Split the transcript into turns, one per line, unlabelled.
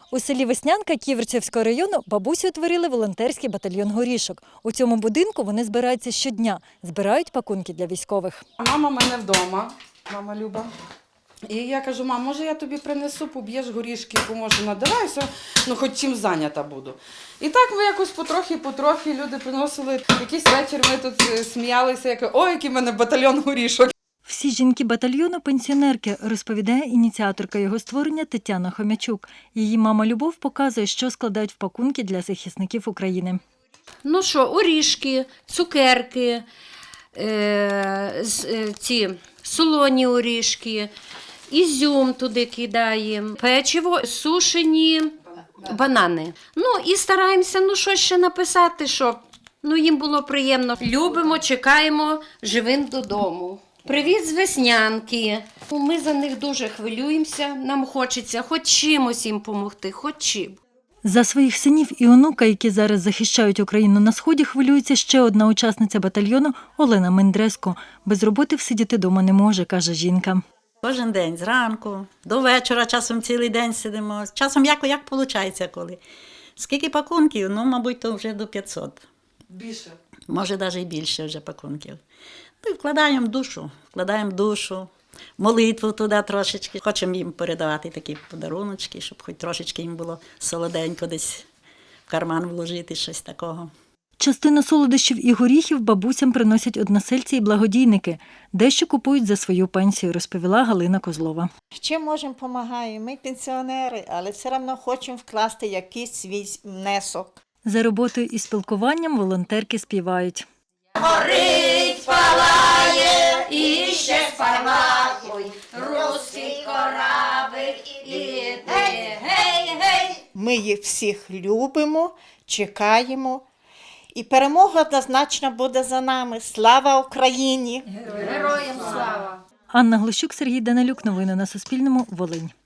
У селі Веснянка Ківерцівського району бабусі утворили волонтерський батальйон горішок. У цьому будинку вони збираються щодня, збирають пакунки для військових.
Мама в мене вдома, мама Люба. І я кажу: мам, може я тобі принесу, поб'єш горішки, поможу, надавайся, ну хоч чим зайнята буду. І так ми якось потрохи люди приносили. Якийсь вечір ми тут сміялися, як ой, який в мене батальйон горішок.
Всі жінки батальйону – пенсіонерки, розповідає ініціаторка його створення Тетяна Хомячук. Її мама Любов показує, що складають в пакунки для захисників України.
Ну що, орішки, цукерки, ці солоні орішки, ізюм туди кидаємо, печиво, сушені банани. Ну і стараємося, щось ще написати, щоб їм було приємно. Любимо, чекаємо живим додому. Привіт з Веснянки. Ми за них дуже хвилюємося, нам хочеться хоч чимось їм допомогти, хоч чим.
За своїх синів і онука, які зараз захищають Україну на Сході, хвилюється ще одна учасниця батальйону Олена Мендреско. Без роботи всидіти дома не може, каже жінка.
Кожен день, зранку, до вечора, часом цілий день сидимо. Часом як виходить коли. Скільки пакунків? Мабуть, то вже до 500.
Більше.
Може, навіть і більше вже пакунків. Ну, і вкладаємо душу, молитву туди трошечки. Хочемо їм передавати такі подаруночки, щоб хоч трошечки їм було солоденько десь в карман вложити, щось такого.
Частину солодощів і горіхів бабусям приносять односельці і благодійники. Дещо купують за свою пенсію, розповіла Галина Козлова.
Чим можемо, допомагаємо. Ми пенсіонери, але все одно хочемо вкласти якийсь свій внесок.
За роботою і спілкуванням волонтерки співають.
Горить, палає, і ще спалахуй, руський корабель іде, гей!
Ми їх всіх любимо, чекаємо. І перемога однозначно буде за нами. Слава Україні!
Героям слава!
Анна Глущук, Сергій Данилюк. Новини на Суспільному. Волинь.